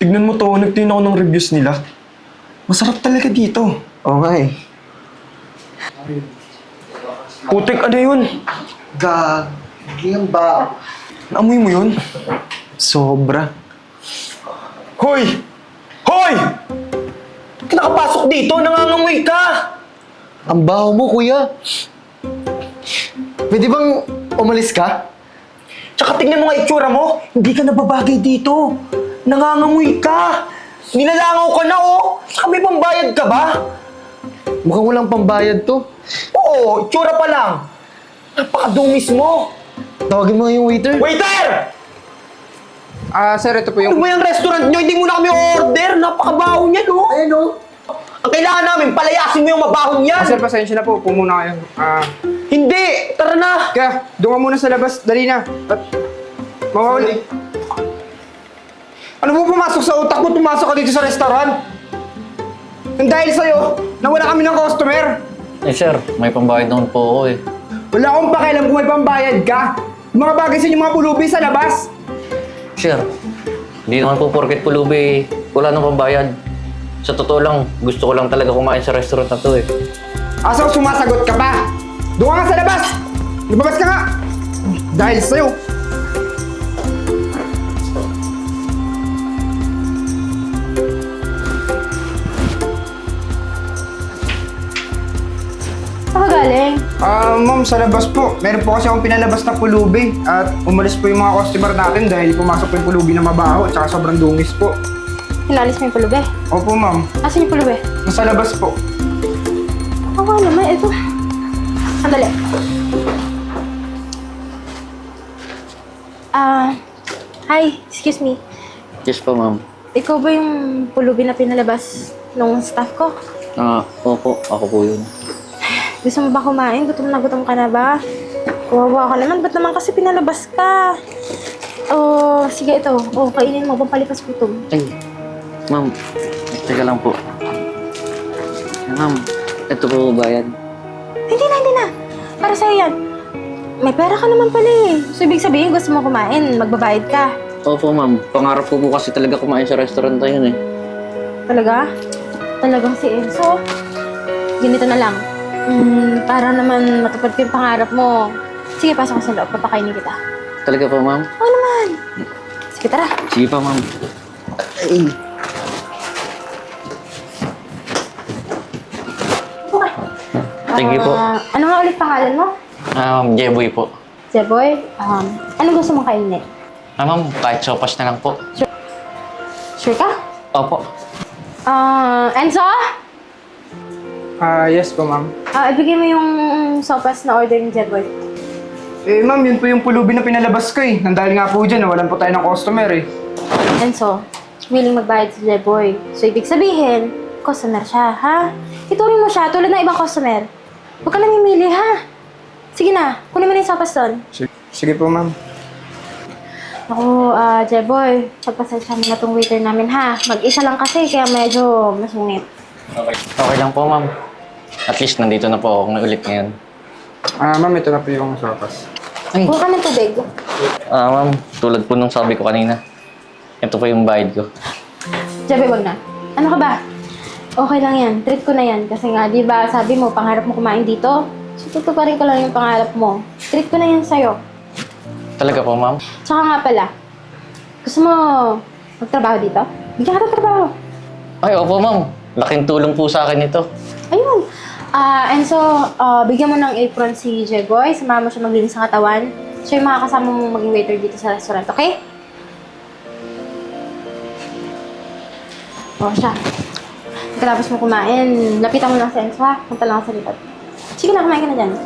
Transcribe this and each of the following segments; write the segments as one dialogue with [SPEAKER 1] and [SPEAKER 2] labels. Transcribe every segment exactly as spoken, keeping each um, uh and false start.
[SPEAKER 1] tignan mo to, nagtingin ako ng reviews nila. Masarap talaga dito.
[SPEAKER 2] Oo nga eh.
[SPEAKER 1] Putik, ano yun?
[SPEAKER 2] Gagi ang ba?
[SPEAKER 1] Naamoy mo yun? Sobra. Hoy! Hoy! Ba't ka nakapasok dito? Nangangamoy ka!
[SPEAKER 2] Ang baho mo, kuya. Pwede bang umalis ka?
[SPEAKER 1] Tsaka tingnan mo nga itsura mo. Hindi ka nababagay dito. Nangangamoy ka. Nilalangaw ka na, oh. Saka may pambayad ka ba?
[SPEAKER 2] Mukhang walang pambayad to.
[SPEAKER 1] Oo, itsura pa lang. Napakadumis mo.
[SPEAKER 2] Tawagin mo nga yung waiter.
[SPEAKER 1] Waiter!
[SPEAKER 3] Ah, sir, ito po
[SPEAKER 1] Ano
[SPEAKER 3] yung...
[SPEAKER 1] ba yung restaurant nyo? Hindi mo na kami order. Napakabaho niya, no?
[SPEAKER 2] Ayun o.
[SPEAKER 1] Ang kailangan namin, palayasin mo yung mabahong yan.
[SPEAKER 3] Ah, sir, pasensya na po. Upo muna kayo. Ah,
[SPEAKER 1] Hindi! Tara na!
[SPEAKER 3] kaya, doon ka muna sa labas. Dali na. At, mawawali. Ano mo pumasok sa utak mo? Pumasok ka dito sa restaurant? Nang dahil sa'yo, nawala kami ng customer.
[SPEAKER 4] Eh sir, may pambayad naman po ako eh.
[SPEAKER 3] Wala akong pakialam kung may pambayad ka. Yung mga bagay sa inyong mga pulubi sa labas.
[SPEAKER 4] Sir, hindi naman po porket pulubi, wala nang pambayad. Sa totoo lang, gusto ko lang talaga kumain sa restaurant na to eh.
[SPEAKER 3] Asaw, sumasagot ka pa. Doon ka nga sa labas. Lumabas ka nga. Dahil sa'yo.
[SPEAKER 5] Saan ka galing?
[SPEAKER 3] Ah, ma'am, sa labas po. Meron po kasi akong pinalabas na pulubi. At umalis po yung mga customer natin dahil pumasok po yung pulubi na mabaho at saka sobrang dungis po.
[SPEAKER 5] Hinalis mo yung pulubi.
[SPEAKER 3] Opo, ma'am.
[SPEAKER 5] Asan yung pulubi?
[SPEAKER 3] Nasa labas po.
[SPEAKER 5] Oo nga naman, ito. Sandali. Ah, hi, excuse me.
[SPEAKER 4] Yes po ma'am.
[SPEAKER 5] Ikaw ba yung pulubi na pinalabas nung staff ko?
[SPEAKER 4] Ah, opo, ako po yun.
[SPEAKER 5] Gusto mo ba kumain? Gutom na gutom ka na ba? Kawawa ka naman. Ba't naman kasi pinalabas ka? Oh, sige ito. Oh, kainin mo. Pampalipas gutom.
[SPEAKER 4] Ay, ma'am, teka lang po. Ma'am, ito po bayad.
[SPEAKER 5] Hindi na, hindi na. Para sa'yo yan. May pera ka naman pala eh. So, ibig sabihin, gusto mo kumain, magbabayad ka.
[SPEAKER 4] Opo ma'am, pangarap ko po kasi talaga kumain sa restaurant na yun eh.
[SPEAKER 5] Talaga? Talagang si Enzo? Ganito na lang. Mm, para naman matupad ko yung pangarap mo. Sige, pasok ka sa loob. Papakainin kita.
[SPEAKER 4] Talaga po ma'am?
[SPEAKER 5] Oo naman. Sige, tara.
[SPEAKER 4] Sige pa ma'am.
[SPEAKER 2] Ay.
[SPEAKER 5] Okay.
[SPEAKER 4] Thank you po.
[SPEAKER 5] Ah, ano nga ulit pangalan mo?
[SPEAKER 4] Um, Jeboy po.
[SPEAKER 5] Jeboy, um, ano gusto mong kainin?
[SPEAKER 4] Ah ma'am, kahit sopas na lang po.
[SPEAKER 5] Sure ka?
[SPEAKER 4] Opo.
[SPEAKER 5] Ah, Enzo?
[SPEAKER 3] Ah, yes po, ma'am.
[SPEAKER 5] Ah, ibigay mo yung sopas na order ni Jeboy.
[SPEAKER 3] Eh, ma'am, yun po yung pulubi na pinalabas ko eh. Nang dahil nga po dyan, nawalan po tayo ng customer eh.
[SPEAKER 5] Enzo, willing magbayad si Jeboy. So, ibig sabihin, customer siya, ha? Ituring mo siya tulad ng ibang customer. Huwag ka namimili, ha? Sige na, kunin mo na yung sopas doon.
[SPEAKER 3] Sige, sige po, ma'am.
[SPEAKER 5] Ako, ah, Jeboy, pagpasensya mo na tong waiter namin, ha? Mag-isa lang kasi, kaya medyo masungit.
[SPEAKER 4] Okay. Okay lang po ma'am. At least nandito na po ako na ulit ngayon.
[SPEAKER 3] Ah, ma'am, ito na po yung sopas.
[SPEAKER 4] Ay,
[SPEAKER 5] Kuha ka ng tubig.
[SPEAKER 4] ah ma'am, tulad po nung sabi ko kanina. Ito po yung bayad ko.
[SPEAKER 5] Jeboy, wag na. Ano ka ba? Okay lang yan. Treat ko na yan. Kasi nga, di ba, sabi mo, pangarap mo kumain dito? So, tutuparin ko lang yung pangarap mo. Treat ko na yan sa'yo.
[SPEAKER 4] Talaga po ma'am?
[SPEAKER 5] Tsaka nga pala, gusto mo magtrabaho dito? Bigyan ka ng trabaho.
[SPEAKER 4] Ay, opo ma'am. Laking tulong po sa akin ito.
[SPEAKER 5] Ayun. Ah, and so, ah, bigyan mo ng apron si Jeboy. Samahan mo siya maglinis ng katawan. Siya yung makakasama mo maging waiter dito sa restaurant, okay? O, siya. Pagkatapos mo kumain, lapitan mo lang sa Enzo, ha? Punta lang sa likod. Sige na, kumain ka na dyan.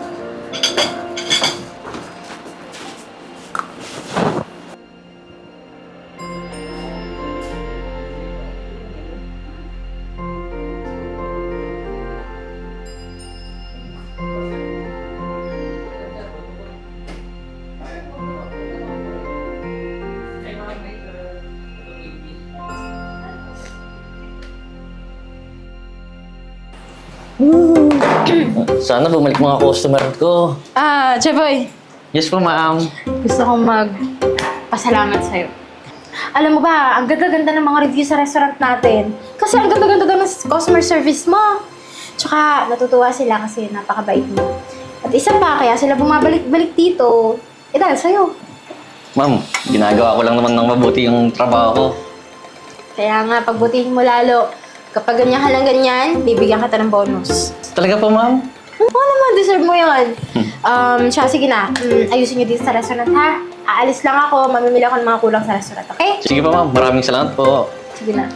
[SPEAKER 4] Sana bumalik mga customer ko.
[SPEAKER 5] Ah, Jeboy,
[SPEAKER 4] Yes po, ma'am.
[SPEAKER 5] gusto kong magpasalamat sa'yo. Alam mo ba, ang ganda-ganda ng mga review sa restaurant natin. Kasi ang ganda-ganda daw ng customer service mo. Tsaka natutuwa sila kasi napakabait mo. At isa pa, kaya sila bumabalik-balik dito. Eh dahil sa'yo.
[SPEAKER 4] Ma'am, ginagawa ko lang naman ng mabuti yung trabaho ko.
[SPEAKER 5] Kaya nga, pagbutihin mo lalo. Kapag ganyan ka lang ganyan, bibigyan kita ng bonus.
[SPEAKER 4] Talaga po, ma'am?
[SPEAKER 5] Oo naman, deserve mo yun. Um, siya, sige na. Mm, ayusin niyo dito sa restaurant, ha? Aalis lang ako, mamimili ako ng mga kulang sa restaurant, okay?
[SPEAKER 4] Sige po, ma'am. Maraming salamat po.
[SPEAKER 5] Sige na.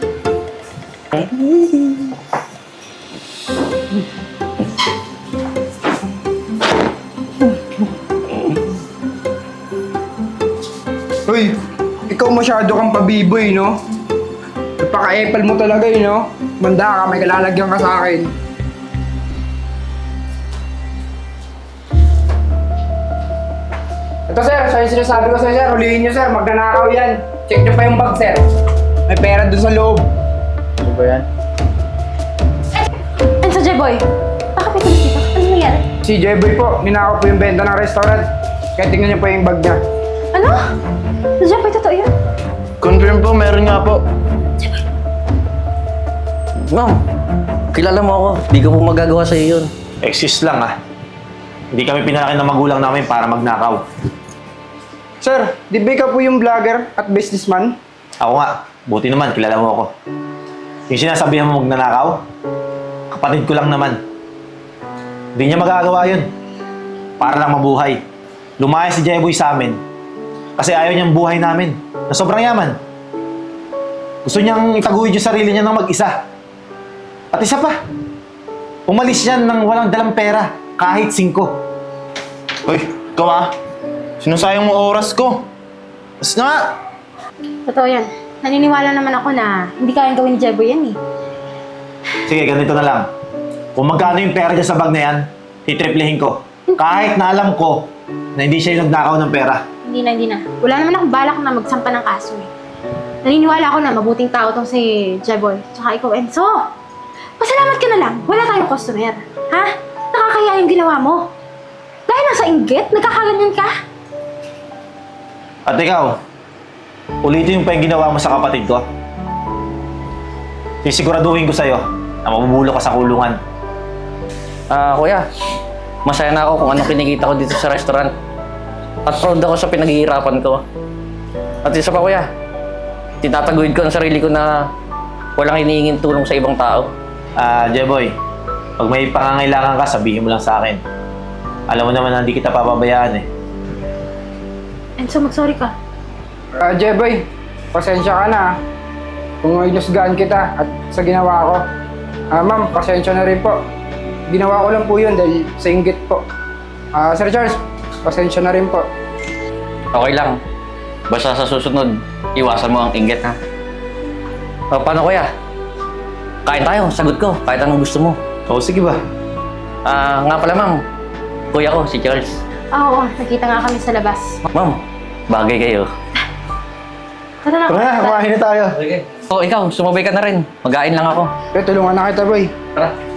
[SPEAKER 3] Uy, ikaw masyado kang pabiboy, no? Napaka-epal mo talaga, eh, no? Manda ka, may kalalagyan ka sa akin. Ito, sir. So, yung sinasabi ko sa'yo, sir. Hulihin nyo, sir. Magnanakaw yan. Check nyo pa yung bag, sir. May pera doon sa loob. Ano ba yan?
[SPEAKER 5] And so, Jeboy, bakit may tulis dito? Ano nangyari?
[SPEAKER 3] Si Jeboy po, ninakaw po yung benta ng restaurant. Kaya tingnan nyo po yung bag niya.
[SPEAKER 5] Ano? So, Jeboy, totoo yun?
[SPEAKER 2] Confirm po, meron nga po.
[SPEAKER 4] Ma'am, kilala mo ako. Di ko po magagawa sa iyo yun.
[SPEAKER 6] Excuse lang ah. Hindi kami pinalaki ng magulang namin para magnakaw.
[SPEAKER 3] Sir, di ba ikaw po yung vlogger at businessman?
[SPEAKER 6] Ako nga, buti naman, kilala mo ako. Yung sinasabihan mo magnanakaw, kapatid ko lang naman. Hindi niya magagawa yun. Para lang mabuhay. Lumaya si Jeboy sa amin. Kasi ayaw niyang buhay namin. Na sobrang yaman. Gusto niyang itaguyod yung sarili niya ng mag-isa. At isa pa, umalis yan ng walang dalang pera, kahit singko.
[SPEAKER 2] Uy, ikaw ah. Sinusayang mo oras ko. Mas na nga.
[SPEAKER 5] Totoo yan. Naniniwala naman ako na hindi kayang gawin ni Jeboy yan eh.
[SPEAKER 6] Sige, ganito na lang. Kung magkano yung pera dyan sa bag na yan, titriplihin ko. Kahit na alam ko na hindi siya yung nagnakaw ng pera.
[SPEAKER 5] Hindi na, hindi na. Wala naman akong balak na magsampa ng kaso eh. Naniniwala ako na mabuting tao tong si Jeboy. Tsaka ikaw, Enzo. Pasalamat ka na lang. Wala tayong customer. Ha? Nakakaya yung ginawa mo. Dahil lang sa inggit, nagkakaganyan ka.
[SPEAKER 6] At ikaw, ulitin yung pa yung ginawa mo sa kapatid ko. Sisiguraduhin ko sa'yo na mabubulo ka sa kulungan.
[SPEAKER 4] Ah, kuya. Masaya na ako kung anong kinikita ko dito sa restaurant. At proud ako sa pinaghihirapan ko. At isa pa, kuya. Tinataguyod ko ang sarili ko na walang hinihinging tulong sa ibang tao.
[SPEAKER 6] Ah, Jeboy, pag may pangangailangan ka, sabihin mo lang sa akin. Alam mo naman na hindi kita papabayaan eh.
[SPEAKER 5] Enzo, mag-sorry ka.
[SPEAKER 3] Ah, Jeboy, pasensya ka na. ah. Kung inusgahan kita at sa ginawa ko. Ah, ma'am, pasensya na rin po. Ginawa ko lang po yun dahil sa inggit po. Ah, Sir Charles, pasensya na rin po.
[SPEAKER 4] Okay lang. Basta sa susunod, iwasan mo ang inggit, ha? O, paano, kuya? Kain tayo, sagot ko. Kahit anong gusto mo.
[SPEAKER 6] Oo, sige ba?
[SPEAKER 4] Ah, nga pala, ma'am. Kuya ko, si Charles.
[SPEAKER 5] Oo, nakita nga kami sa labas.
[SPEAKER 4] Ma'am, bagay kayo.
[SPEAKER 5] Tara na.
[SPEAKER 2] Tara na, kumain na tayo.
[SPEAKER 4] Sige. O, ikaw, sumabay ka na rin. Mag-ain lang ako.
[SPEAKER 3] Pero tulungan na kita, boy.
[SPEAKER 4] Tara.